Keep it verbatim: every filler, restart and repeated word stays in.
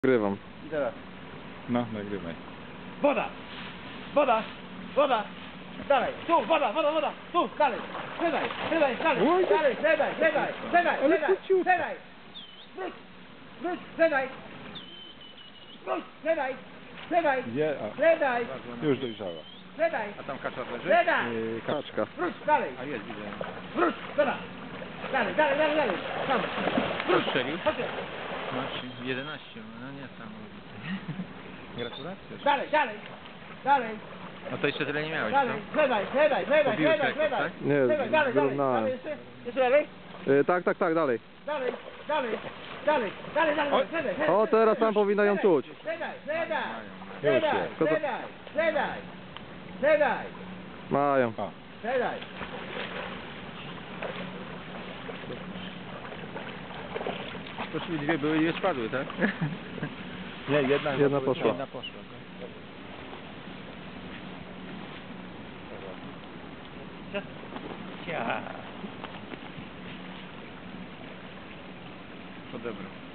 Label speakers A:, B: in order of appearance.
A: Nagrywam.
B: I teraz.
C: No, nagrywaj.
B: Woda! Woda! Woda! Dalej! Tu! Woda! Woda! Woda! Tu! Dalej! Siadaj! Siadaj! Dalej!
A: Oj, to-
B: Dalej! Siadaj! Siadaj! Siadaj!
A: Ale
B: Siadaj!
A: króciutko.
B: Siadaj! Wróć! Wróć! Siadaj! Wróć! Siadaj! Siadaj!
C: Gdzie? A,
B: Siadaj!
C: już dojrzała.
B: Siadaj!
C: A tam kaczor leży?
B: Siadaj!
A: Yy, kaczka.
B: Wróć! Dalej!
C: A jest, widzę.
B: Wróć! Woda! Dalej! Dalej! Dalej! Dalej! Tam! Wróć!
C: Strzelił?
B: Chodź!
C: Masz jedenaście, no nie sam. Gratulacje.
B: Dalej! Dalej! Dalej!
C: No to jeszcze tyle nie miałeś,
B: Dalej! Siadaj! Siadaj! Siadaj!
C: Pobiłeś
B: Siadaj!
C: rekord,
B: Siadaj!
C: tak?
A: Nie,
B: Siadaj! Dalej! Dalej!
A: wyrównałem.
B: Dalej! Jeszcze? Jeszcze dalej?
A: Yy, tak, tak, tak, dalej.
B: Dalej, dalej, dalej, dalej, dalej,
C: Oj.
B: siadaj, siadaj.
A: O, teraz tam powinno ją czuć.
B: Siadaj, siadaj,
C: Już
B: siadaj,
C: jest.
A: To- to-
B: siadaj, siadaj, siadaj,
A: Mają.
C: O,
B: siadaj.
C: to czyli dwie były i dwie spadły, tak? Nie, jedna,
A: Jedna poszła.
C: Jedna poszła. Ja. Odebrał.